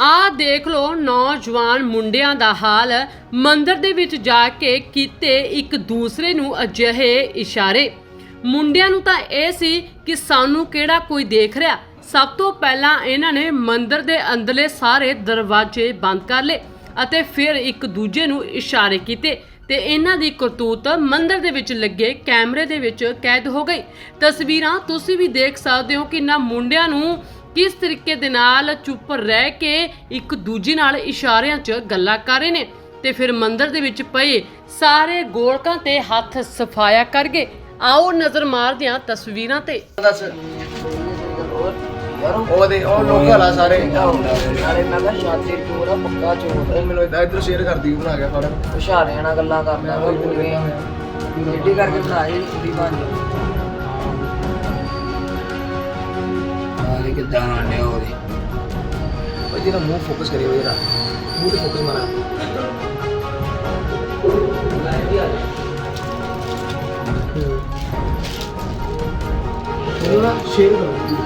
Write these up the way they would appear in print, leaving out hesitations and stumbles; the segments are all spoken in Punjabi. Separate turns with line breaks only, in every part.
ਆ ਦੇਖ ਲੋ ਨੌਜਵਾਨ ਮੁੰਡਿਆਂ ਦਾ ਹਾਲ। ਮੰਦਰ ਦੇ ਵਿੱਚ ਜਾ ਕੇ ਕੀਤੇ ਇੱਕ ਦੂਸਰੇ ਨੂੰ ਅਜਿਹੇ ਇਸ਼ਾਰੇ। ਮੁੰਡਿਆਂ ਨੂੰ ਤਾਂ ਇਹ ਸੀ ਕਿ ਸਾਨੂੰ ਕਿਹੜਾ ਕੋਈ ਦੇਖ ਰਿਹਾ। ਸਭ ਤੋਂ ਪਹਿਲਾਂ ਇਹਨਾਂ ਨੇ ਮੰਦਰ ਦੇ ਅੰਦਰਲੇ ਸਾਰੇ ਦਰਵਾਜ਼ੇ ਬੰਦ ਕਰ ਲਏ ਅਤੇ ਫਿਰ ਇੱਕ ਦੂਜੇ ਨੂੰ ਇਸ਼ਾਰੇ ਕੀਤੇ ਤੇ ਇਹਨਾਂ ਦੀ ਕਰਤੂਤ ਮੰਦਰ ਦੇ ਵਿੱਚ ਲੱਗੇ ਕੈਮਰੇ ਦੇ ਵਿੱਚ ਕੈਦ ਹੋ ਗਈ। ਤਸਵੀਰਾਂ ਤੁਸੀਂ ਵੀ ਦੇਖ ਸਕਦੇ ਹੋ ਕਿ ਇਹਨਾਂ ਮੁੰਡਿਆਂ ਨੂੰ किस तरीके दे नाल चुप रह के एक दूजे नाल इशारियां च गल्लां कर रहे ने ते फिर मंदिर दे विच पए सारे गोलकां ते हथ सफाया कर गए। आओ नज़र मारदे हां तस्वीरां ते।
ਉਹਦੇ ਉਹ ਲੋਕ ਹਲਾ ਸਾਰੇ ਨਾਲੇ ਮੈਂ ਕਿਹਾ ਸ਼ਾਤੀ ਚੋਰ ਆ ਪੱਕਾ ਚੋਰ ਉਹ ਮੈਨੂੰ ਇਧਰ ਸ਼ੇਅਰ ਕਰਦੀ ਬਣਾ ਕੇ ਫੜ ਇਸ਼ਾਰਿਆਂ ਨਾਲ ਗੱਲਾਂ ਕਰਦਾ ਉਹ ਪੂਰੇ ਰੈਡੀ ਕਰਕੇ ਬਣਾਏ ਕੁੜੀ ਬਣ ਆਲੇ ਕਿਦਾਂ ਆਣੇ ਉਹਦੇ ਉਹ ਜਿਹੜਾ ਮੂੰਹ ਫੋਕਸ ਕਰੀ ਹੋਇਆ ਮੂੰਹ ਤੇ ਫੋਕਸ ਮਾਰਾ ਉਹ ਸ਼ੇਅਰ ਕਰੋ।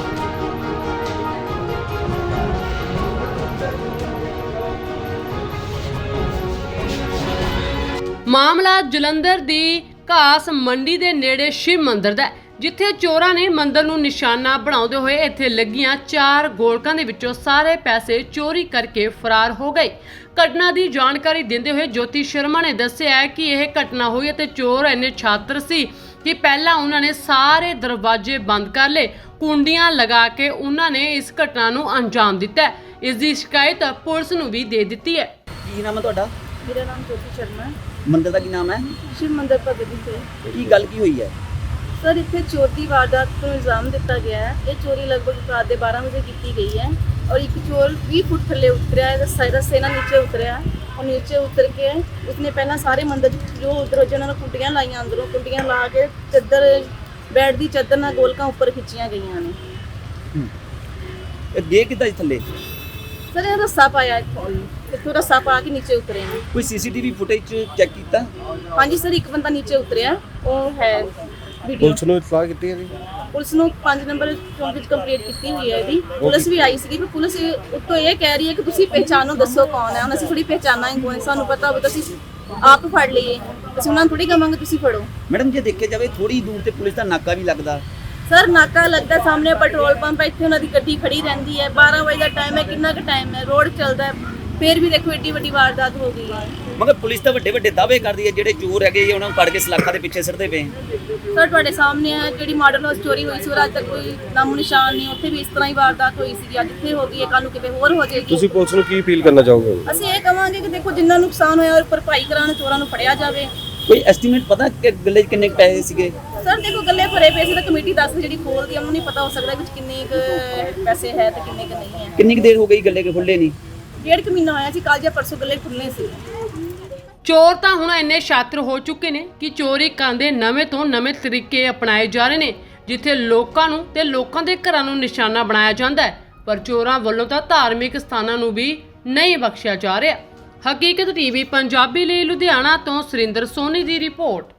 ਮਾਮਲਾ ਜਲੰਧਰ ਦੀ ਘਾਸ ਮੰਡੀ ਦੇ ਨੇੜੇ ਸ਼ਿਵ ਮੰਦਿਰ ਦਾ, ਜਿੱਥੇ ਚੋਰਾਂ ਨੇ ਮੰਦਿਰ ਨੂੰ ਨਿਸ਼ਾਨਾ ਬਣਾਉਂਦੇ ਹੋਏ ਇੱਥੇ ਲੱਗੀਆਂ 4 ਗੋਲਕਾਂ ਦੇ ਵਿੱਚੋਂ ਸਾਰੇ ਪੈਸੇ ਚੋਰੀ ਕਰਕੇ ਫਰਾਰ ਹੋ ਗਏ। ਘਟਨਾ ਦੀ ਜਾਣਕਾਰੀ ਦਿੰਦੇ ਹੋਏ ਜੋਤੀ ਸ਼ਰਮਾ ਨੇ ਦੱਸਿਆ ਕਿ ਇਹ ਘਟਨਾ ਹੋਈ ਅਤੇ ਚੋਰ ਇੰਨੇ ਛਾਤਰ ਸੀ ਕਿ ਪਹਿਲਾਂ ਉਹਨਾਂ ਨੇ ਸਾਰੇ ਦਰਵਾਜ਼ੇ ਬੰਦ ਕਰ ਲਏ, ਕੁੰਡੀਆਂ ਲਗਾ ਕੇ ਉਹਨਾਂ ਨੇ ਇਸ ਘਟਨਾ ਨੂੰ ਅੰਜਾਮ ਦਿੱਤਾ। ਇਸ ਦੀ ਸ਼ਿਕਾਇਤ ਪੁਲਿਸ ਨੂੰ ਵੀ ਦੇ ਦਿੱਤੀ ਹੈ।
ਕੀ ਨਾਮ ਹੈ ਤੁਹਾਡਾ?
मेरा नाम ज्योति शर्मा है।
ਮੰਦਿਰ ਦਾ ਕੀ ਨਾਮ ਹੈ?
शिव मंदिर भगवती से।
ਕੀ ਗੱਲ ਕੀ ਹੋਈ ਹੈ?
सर इतने चोर की वारदात को इल्ज़ाम दिता गया है। ये चोरी लगभग रात के 12 बजे की गई है और एक चोर 20 फुट थले उतरिया है, रस्से ना नीचे उतरिया और नीचे उतर के उसने पहला सारे मंदिर जो दरवाजे उन्होंने कुंडियाँ लाइया, अंदरों कुंडियाँ ला के चादर बैठ दी चादर ना गोलकां उपर खिंचिया गई ने।
गे कितना थले?
सर ये रस्सा पाया इतों रस्सा पा के नीचे उतरे हैं।
ਕੋਈ ਸੀਸੀਟੀਵੀ ਫੁਟੇਜ ਚੈੱਕ ਕੀਤਾ?
हाँ जी सर, एक बंदा नीचे उतरिया वो है वीडियो।
ਪੁਲਿਸ ਨੂੰ ਇਤਲਾਹ ਕੀਤੀ ਹੈ ਜੀ?
ਪੁਲਿਸ ਨੂੰ 5 ਨੰਬਰ ਚੌਂਕ ਵਿੱਚ ਕੰਪਲੀਟ ਕੀਤੀ ਹੋਈ ਹੈ ਇਹਦੀ। ਪੁਲਿਸ ਵੀ ਆਈ ਸੀਗੀ ਪਰ ਪੁਲਿਸ ਉੱਤੋਂ ਇਹ ਕਹਿ ਰਹੀ ਹੈ ਕਿ ਤੁਸੀਂ ਪਹਿਚਾਨੋ, ਦੱਸੋ ਕੌਣ ਹੈ। ਹੁਣ ਅਸੀਂ ਥੋੜੀ ਪਹਿਚਾਨਾ ਹੀ ਕੌਣ, ਸਾਨੂੰ ਪਤਾ ਹੋਵੇ ਤਾਂ ਅਸੀਂ ਆਪ ਫੜ ਲਈਏ, ਅਸੀਂ ਉਹਨਾਂ ਨੂੰ ਥੋੜੀ ਕਹਾਂਗੇ ਤੁਸੀਂ ਫੜੋ।
ਮੈਡਮ ਜੇ ਦੇਖਿਆ ਜਾਵੇ ਥੋੜੀ ਦੂਰ ਤੇ ਪੁਲਿਸ ਦਾ ਨਾਕਾ ਵੀ ਲੱਗਦਾ।
ਸਰ ਨਾਕਾ ਲੱਗਦਾ, ਸਾਹਮਣੇ ਪੈਟਰੋਲ ਪੰਪ ਹੈ, ਇੱਥੇ ਉਹਨਾਂ ਦੀ ਗੱਡੀ ਖੜੀ ਰਹਿੰਦੀ ਹੈ। 12 ਵਜੇ ਦਾ ਟਾਈਮ ਹੈ, ਕਿੰਨਾ ਕੁ ਟਾਈਮ ਹੈ, ਰੋਡ ਚੱਲਦਾ ਹੈ, ਫਿਰ ਵੀ ਦੇਖੋ ਏਡੀ ਵੱਡੀ ਵਾਰਦਾਤ ਹੋ ਗਈ ਹੈ।
ਮਗਰ ਪੁਲਿਸ ਤਾਂ ਵੱਡੇ ਵੱਡੇ ਦਾਅਵੇ ਕਰਦੀ ਹੈ ਜਿਹੜੇ ਚੋਰ ਹੈਗੇ ਉਹਨਾਂ ਨੂੰ ਫੜ ਕੇ ਸਲਾਖਾਂ ਦੇ ਪਿੱਛੇ ਸਿੱਟਦੇ ਪਏ।
ਸਰ ਤੁਹਾਡੇ ਸਾਹਮਣੇ ਹੈ ਜਿਹੜੀ ਮਾਡਰਨ ਹਾਊਸ ਚੋਰੀ ਹੋਈ ਸੀ ਉਹ ਅੱਜ ਤੱਕ ਕੋਈ ਨਾਮੋ ਨਿਸ਼ਾਨ ਨਹੀਂ, ਉੱਥੇ ਵੀ ਇਸ ਤਰ੍ਹਾਂ ਹੀ ਵਾਰਦਾਤ ਹੋਈ ਸੀ। ਅੱਜ ਇੱਥੇ ਹੋ ਗਈ ਹੈ, ਕੱਲ ਨੂੰ ਕਿਤੇ ਹੋਰ ਹੋ ਜਾਏਗੀ।
ਤੁਸੀਂ ਪੁਲਿਸ ਨੂੰ ਕੀ ਅਪੀਲ ਕਰਨਾ ਚਾਹੋਗੇ?
ਅਸੀਂ ਇਹ ਕਹਾਂਗੇ ਕਿ ਦੇਖੋ ਜਿੰਨਾ ਨੁਕਸਾਨ ਹੋਇਆ ਔਰ ਭਰਪਾਈ ਕਰਾਉਣ, ਚੋਰਾਂ ਨੂੰ ਫੜਿਆ ਜਾਵੇ।
ਕੋਈ ਐਸਟੀਮੇਟ ਪਤਾ ਕਿ ਗੱਲੇ 'ਚ ਕਿੰਨੇ ਕੁ ਪੈਸੇ ਸੀਗੇ?
ਸਰ ਦੇਖੋ ਗੱਲੇ ਭਰੇ ਪਏ ਸੀ ਤਾਂ ਕਮੇਟੀ ਦੱਸ ਜਿਹੜੀ ਖੋਲਦੀ ਆ, ਉਹਨੂੰ ਨਹੀਂ ਪਤਾ ਹੋ ਸਕਦਾ ਵਿੱਚ ਕਿੰਨੇ ਕੁ ਪੈਸੇ ਹੈ ਤੇ ਕਿੰਨੇ ਕੁ ਨਹੀਂ ਹੈ।
ਕਿੰਨੀ ਕੁ ਦੇਰ ਹੋ ਗਈ ਗੱਲੇ ਕੇ ਖੁੱਲੇ ਨਹੀਂ?
1.5 ਮਹੀਨਾ ਹੋਇਆ ਸੀ, ਕੱਲ ਜਾਂ ਪਰਸੋਂ ਗੱਲੇ ਖੁੱਲ੍ਹਣੇ ਸੀ।
ਚੋਰ ਤਾਂ ਹੁਣ ਇੰਨੇ ਸ਼ਾਤਰ ਹੋ ਚੁੱਕੇ ਨੇ ਕਿ ਚੋਰੀ ਕਰਨ ਦੇ ਨਵੇਂ ਤੋਂ ਨਵੇਂ ਤਰੀਕੇ ਅਪਣਾਏ ਜਾ ਰਹੇ ਨੇ, ਜਿੱਥੇ ਲੋਕਾਂ ਨੂੰ ਤੇ ਲੋਕਾਂ ਦੇ ਘਰਾਂ ਨੂੰ ਨਿਸ਼ਾਨਾ ਬਣਾਇਆ ਜਾਂਦਾ ਹੈ। ਪਰ ਚੋਰਾਂ ਵੱਲੋਂ ਤਾਂ ਧਾਰਮਿਕ ਸਥਾਨਾਂ ਨੂੰ ਵੀ ਨਹੀਂ ਬਖਸ਼ਿਆ ਜਾ ਰਿਹਾ। ਹਕੀਕਤ ਟੀਵੀ ਪੰਜਾਬੀ ਲਈ ਲੁਧਿਆਣਾ ਤੋਂ ਸੁਰਿੰਦਰ ਸੋਨੀ ਦੀ ਰਿਪੋਰਟ।